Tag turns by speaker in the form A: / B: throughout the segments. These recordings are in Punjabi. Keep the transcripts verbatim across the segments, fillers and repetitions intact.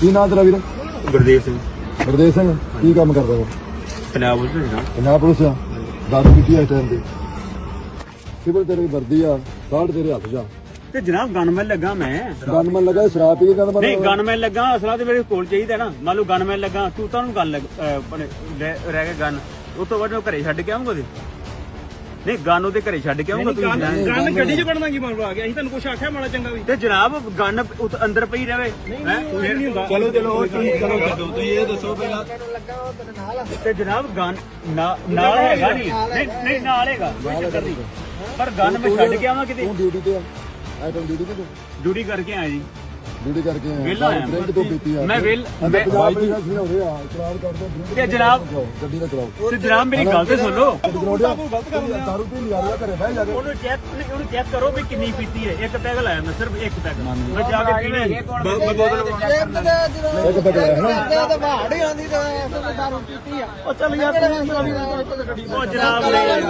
A: ਕੀ ਨਾਂ ਤੇਰਾ ਵੀਰ?
B: ਗੁਰਦੇਵ ਸਿੰਘ।
A: ਗੁਰਦੇਵ ਸਿੰਘ ਕੀ ਕੰਮ ਕਰਦਾ ਵਾ?
B: ਪੰਜਾਬ ਪੁਲਿਸ ਦਾ।
A: ਪੰਜਾਬ ਪੁਲਿਸ ਆ। ਦਾਰੂ ਪੀਤੀ ਇਸ ਟਾਈਮ ਤੇ ਸਿਵਲ ਤੇਰੀ ਵਰਦੀ ਆ, ਕਾਰਡ ਤੇਰੇ ਹੱਥ 'ਚ ਆ
B: ਤੇ ਜਨਾਬ ਗਨਮੈਨ ਲੱਗਾ ਮੈਂ।
A: ਗਨਮੈਨ ਲੱਗਾ ਸ਼ਰਾਬ ਪੀ ਕੇ ਗਨਮੈਨ?
B: ਨਹੀਂ ਗਨਮੈਨ ਲੱਗਾ, ਅਸਲਾ ਤੇ ਮੇਰੇ ਕੋਲ ਚਾਹੀਦਾ ਨਾ। ਮੰਨ ਲਓ ਗਨਮੈਨ ਲੱਗਾ, ਤੂੰ ਤੁਹਾਨੂੰ ਗੱਲ ਰਹਿ ਕੇ ਗਨ ਉਸ ਤੋਂ ਬਾਅਦ ਉਹ ਘਰੇ ਛੱਡ ਕੇ ਆਉਂਗਾ ਉਹਦੇ। ਨਹੀਂ ਗਨ ਉਹਦੇ ਘਰੇ ਛੱਡ ਕੇ ਆਉਂਗਾ ਤੁਸੀਂ।
C: ਗਨ ਗੱਡੀ 'ਚ ਕੱਢਣਾ ਕੀ ਮਾਮਲਾ ਆ ਗਿਆ? ਅਸੀਂ ਤੁਹਾਨੂੰ ਕੁਛ ਆਖਿਆ ਮਾੜਾ ਚੰਗਾ ਵੀ?
B: ਤੇ ਜਨਾਬ ਗਨ ਅੰਦਰ ਪਈ ਰਵੇ।
C: ਚਲੋ ਚਲੋ ਚਲੋ ਛੱਡੋ, ਤੁਸੀਂ ਇਹ ਦੱਸੋ ਪਹਿਲਾਂ।
B: ਤੇ ਜਨਾਬ ਗਨ ਨਾਲ ਹੈਗਾ ਨਹੀਂ? ਨਹੀਂ ਨਹੀਂ ਨਾਲ ਹੈਗਾ, ਕੋਈ ਚੱਕਰ ਨਹੀਂ। ਪਰ ਗਨ ਮੈਂ ਛੱਡ ਕੇ ਆਵਾਂ ਕਿਤੇ?
A: ਤੂੰ ਡਿਊਟੀ ਤੇ ਆ? ਆਇਆ ਤੂੰ ਡਿਊਟੀ ਤੇ?
B: ਡਿਊਟੀ ਕਰਕੇ ਆਇਆ ਜੀ।
A: ਡਿਊਟੀ ਕਰਕੇ ਆਇਆ?
B: ਵਿਹਲਾ ਆਇਆ
A: ਡਰਿੰਕ ਤੋਂ ਪੀਤੀ ਆ?
B: ਮੈਂ ਵਿਹਲ
A: ਪੰਜਾਬ ਪੁਲਿਸ ਦਾ ਸਿਰ ਹੋ ਰਿਹਾ ਇਕਰਾਰ ਕਰਦੇ ਡਰਿੰਕ
B: ਤੇ ਜਨਾਬ
A: ਗੱਡੀ ਨਾ ਚਲਾਓ।
B: ਤੇ ਜਨਾਬ ਮੇਰੀ ਗੱਲ ਤੇ ਸੁਣ ਲਓ।
A: ਗਲਤ ਕਰ ਰਿਹਾ। ਦਾਰੂ ਪੀ ਲਿਆ ਰਿਹਾ ਘਰੇ ਬਹਿ ਜਾ ਕੇ।
B: ਉਹਨੂੰ ਚੈੱਕ ਉਹਨੂੰ ਚੈੱਕ ਕਰੋ ਵੀ ਕਿੰਨੀ ਪੀਤੀ ਹੈ। ਇੱਕ ਪੈਗ ਲਾਇਆ ਮੈਂ, ਸਿਰਫ ਇੱਕ ਪੈਗ। ਮੈਂ ਜਾ ਕੇ ਪੀਣਾ ਹੀ।
A: ਇੱਕ ਪੈਗ ਲਾਇਆ ਹਨਾ?
C: ਉਹ ਚੱਲ ਯਾਰ
B: ਉਹ ਜਨਾਬ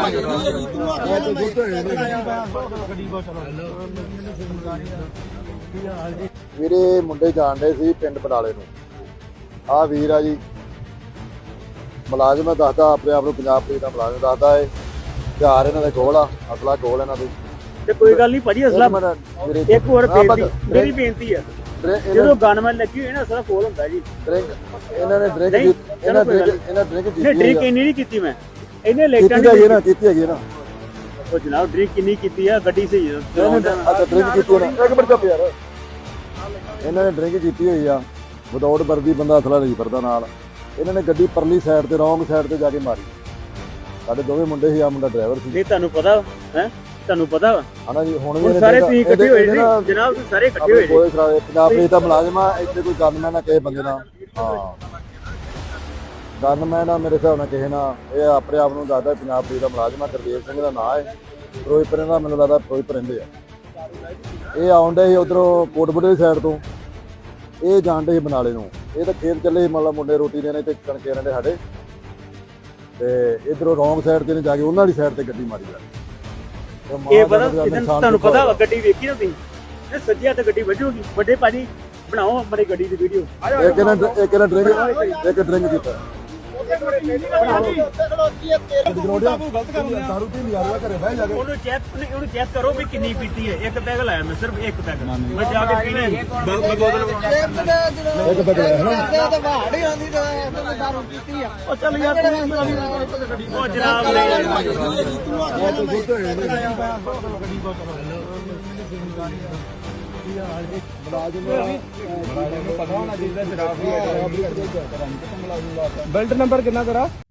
A: ਵੀਰੇ ਮੁੰਡੇ ਜਾਣਦੇ ਸੀ ਪਿੰਡ ਬਡਾਲੇ ਨੂੰ। ਆਹ ਵੀਰ ਆ ਜੀ ਮੁਲਾਜ਼ਮ ਹੈ, ਦੱਸਦਾ ਆਪਣੇ ਆਪ ਨੂੰ ਪੰਜਾਬ ਪੁਲਿਸ ਦਾ ਮੁਲਾਜ਼ਮ ਦੱਸਦਾ ਏ। ਹਥਿਆਰ ਇਹਨਾਂ ਦੇ ਕੋਲ ਆ, ਅਸਲਾ ਕੋਲ ਇਹਨਾਂ ਦੇ।
B: ਤੇ ਕੋਈ ਗੱਲ ਨਹੀਂ ਭਾਜੀ, ਅਸਲਾ ਇੱਕ ਹੋਰ ਬੇਨਤੀ, ਮੇਰੀ ਬੇਨਤੀ ਹੈ ਜਦੋਂ ਗਨਮੈਨ ਲੱਗੀ ਹੋਈ ਨਾ ਅਸਲਾ ਕੋਲ ਹੁੰਦਾ ਜੀ।
A: ਡਰਿੰਕ ਇਹਨਾਂ ਨੇ ਡਰਿੰਕ ਇਹਨਾਂ ਡਰਿੰਕ ਇਹਨਾਂ ਡਰਿੰਕ ਕੀਤੀ
B: ਨਹੀਂ ਡਰਿੰਕ ਇੰਨੀ ਨਹੀਂ ਕੀਤੀ ਮੈਂ। ਇਹਨੇ ਲੇਟਾਂ
A: ਕੀਤੀ ਹੈਗੀ ਨਾ, ਕੀਤੀ ਹੈਗੀ ਨਾ।
B: ਉਹ ਜਨਾਬ ਡਰਿੰਕ ਕਿੰਨੀ ਕੀਤੀ ਆ? ਗੱਡੀ ਸਹੀ ਹੈ।
A: ਅੱਛਾ ਡਰਿੰਕ ਕੀਤੀ ਨਾ, ਇੱਕ ਮਿੰਟ ਚੁੱਪ ਯਾਰ। ਇਹਨਾਂ ਨੇ ਡਰਿੰਕ ਕੀਤੀ ਹੋਈ ਆ, ਵਿਦਆਊਟ ਵਰਦੀ ਬੰਦਾ ਅਸਲਾ ਨਹੀਂ ਫਿਰਦਾ ਨਾਲ। ਇਹਨਾਂ ਨੇ ਗੱਡੀ ਪਰਲੀ ਸਾਈਡ ਤੇ ਰੌਂਗ ਸਾਈਡ ਤੇ ਜਾ ਕੇ ਮਾਰੀ। ਸਾਡੇ ਦੋਵੇਂ ਮੁੰਡੇ ਸੀ, ਆ ਮੁੰਡਾ ਡਰਾਈਵਰ ਸੀ।
B: ਨਹੀਂ ਤੁਹਾਨੂੰ ਪਤਾ ਹੈ? ਤੁਹਾਨੂੰ ਪਤਾ ਵਾ
A: ਹਨਾ ਜੀ? ਹੁਣ ਵੀ
B: ਸਾਰੇ ਤੁਸੀਂ ਇਕੱਠੇ ਹੋਏ ਸੀ ਜਨਾਬ, ਤੁਸੀਂ ਸਾਰੇ ਇਕੱਠੇ ਹੋਏ
A: ਕੋਈ ਪੰਜਾਬ ਪੁਲਿਸ ਦਾ ਮੁਲਾਜ਼ਮ ਆ। ਇੱਥੇ ਕੋਈ ਗਨਮੈਨ ਆ ਕਿਸੇ ਬੰਦੇ ਨਾਲ? ਹਾਂ ਗਨਮੈਨ ਆ ਮੇਰੇ ਹਿਸਾਬ ਨਾਲ ਕਿਸੇ ਨਾਲ। ਇਹ ਆਪਣੇ ਆਪ ਨੂੰ ਦੱਸਦਾ ਪੰਜਾਬ ਪੁਲਿਸ ਦਾ ਮੁਲਾਜ਼ਮ ਆ। ਗੁਰਦੇਵ ਸਿੰਘ ਦਾ ਨਾਂ ਹੈ। ਫਿਰੋਜ਼ਪੁਰ ਦਾ ਮੈਨੂੰ ਲੱਗਦਾ ਫਿਰੋਜ਼ਪੁਰ ਰਹਿੰਦੇ ਆ। ਇਹ ਆਉਂਦੇ ਸੀ ਉਧਰੋਂ ਕੋਟਬੁੱਢੇ ਦੀ ਸਾਈਡ ਤੋਂ, ਇਹ ਜਾਣਦੇ ਸੀ ਬਨਾਲੇ ਨੂੰ। ਇਹ ਤਾਂ ਖੇਤ ਚੱਲੇ ਮਤਲਬ ਮੁੰਡੇ ਰੋਟੀ ਦੇਣੇ ਤੇ ਕਣਕੇ ਰਹਿੰਦੇ ਸਾਡੇ। ਤੇ ਇਧਰੋਂ ਰੌਂਗ ਸਾਈਡ ਤੇ ਨੇ ਜਾ ਕੇ ਉਹਨਾਂ ਦੀ ਸਾਈਡ ਤੇ ਗੱਡੀ ਮਾਰੀ ਜਾ।
B: ਇਹ ਪਤਾ ਤੁਹਾਨੂੰ ਪਤਾ ਵਾ? ਗੱਡੀ ਵੇਖੀ ਨਾ ਤੁਸੀਂ? ਇਹ ਸੱਜੇ ਹੱਥ ਗੱਡੀ ਵੱਜੂਗੀ। ਵੱਡੇ ਭਾਜੀ ਬਣਾਓ ਆਪਣੀ ਗੱਡੀ ਦੀ ਵੀਡੀਓ।
A: ਇੱਕ ਇਹਨਾਂ ਇੱਕ ਇਹਨਾਂ ਡਰਿੰਕ ਇੱਕ ਡਰਿੰਕ ਕੀਤਾ। ਦਾਰੂ ਪੀ ਲਿਆ ਰਿਹਾ ਘਰੇ ਬਹਿ ਜਾ ਕੇ।
B: ਉਹਨੂੰ ਚੈੱਕ ਉਹਨੂੰ ਚੈੱਕ ਕਰੋ ਵੀ ਕਿੰਨੀ ਪੀਤੀ ਹੈ। ਇੱਕ ਪੈਗ ਲਾਇਆ ਮੈਂ, ਸਿਰਫ ਇੱਕ ਪੈਗ। ਮੈਂ ਜਾ ਕੇ ਪੀਣਾ ਹੀ।
A: ਇੱਕ ਪੈਗ ਲਾਇਆ ਹਨਾ?
C: ਉਹ ਚੱਲ ਯਾਰ
B: ਉਹ ਜਨਾਬ
C: ਬੈਲਟ ਨੰਬਰ ਕਿੰਨਾ ਤੇਰਾ?